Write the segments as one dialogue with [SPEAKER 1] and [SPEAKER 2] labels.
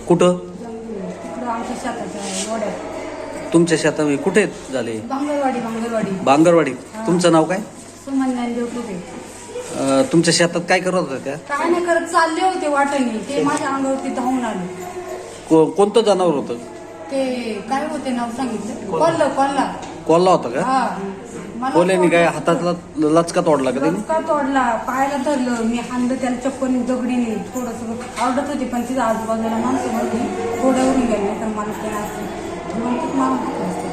[SPEAKER 1] कुठं?
[SPEAKER 2] तिकडं आमच्या शेताच्या वड्यात.
[SPEAKER 1] तुमच्या शेतामध्ये कुठे झाले?
[SPEAKER 2] बांगरवाडी.
[SPEAKER 1] बांगरवाडी. तुमचं नाव काय?
[SPEAKER 2] सुमन ज्ञानदेव तुबे.
[SPEAKER 1] तुमच्या शेतात काय करत होत्या त्या?
[SPEAKER 2] काय नाही करत, चालले होते वाटेने, ते माझ्या अंगावरती धावून आले.
[SPEAKER 1] कोणतं जनावर होतं?
[SPEAKER 2] ते काय होते नाव सांगितलं? कोल्हा.
[SPEAKER 1] कोल्हा होता का?
[SPEAKER 2] हा. मला
[SPEAKER 1] कोल्ह्याने काय हातातला लचका तोडला का त्याने?
[SPEAKER 2] लचका तोडला, पायाला धरलं, मी हाणलं त्याला चप्पल दगडीने, थोडस आवडत होती पण तिथं आजूबाजूला माणसं होती, थोड्यावरून गेले नाही तर मला ते असते मारून टाकलं असतं.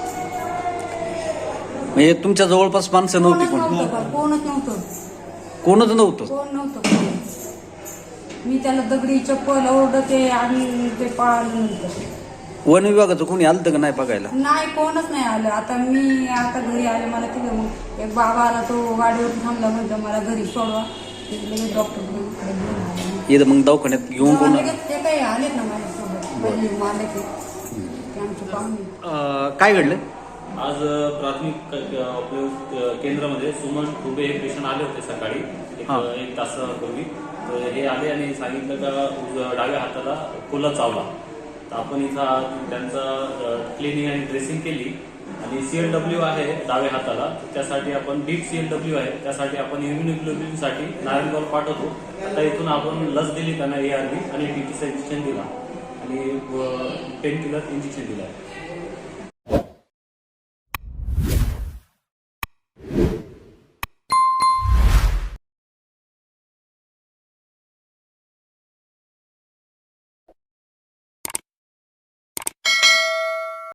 [SPEAKER 1] म्हणजे तुमच्या जवळपास माणसं नव्हती?
[SPEAKER 2] कोणच नव्हतं.
[SPEAKER 1] कोण नव्हतं?
[SPEAKER 2] मी त्याला दगडी चप्पल ओरडते आणि ते पळालं नंतर.
[SPEAKER 1] वन विभागाचं कोणी आलं का नाही बघायला?
[SPEAKER 2] नाही, कोणच नाही आलं. आता मी घरी आले, मला तिथं मग एक बाबा आला, तो गाडीवर थांबला, म्हणतो मला घरी सोडवा. लगेच डॉक्टर
[SPEAKER 1] इथं मग दवाखान्यात घेऊन कोण?
[SPEAKER 2] ते काही आलेत ना माझ्यासोबत, पहिले मारले ते आमचे पाहुणे.
[SPEAKER 1] काय घडलं
[SPEAKER 3] आज? प्राथमिक केंद्रामध्ये सुमन तुबे हे पेशंट आले होते सकाळी एक तासापूर्वी. तर हे आले आणि सांगितलं का डाव्या हाताला कोल्हा चावला. तर आपण इथं त्यांचं क्लिनिंग आणि ड्रेसिंग केली आणि CLW आहे डाव्या हाताला, त्यासाठी आपण डीप CLW आहे, त्यासाठी आपण इम्युनोग्लोबिनसाठी नारायणगाव पाठवतो. आता इथून आपण लस दिली त्यांना ARV आणि TTचं इंजेक्शन दिला आणि पेन किलर इंजेक्शन दिला.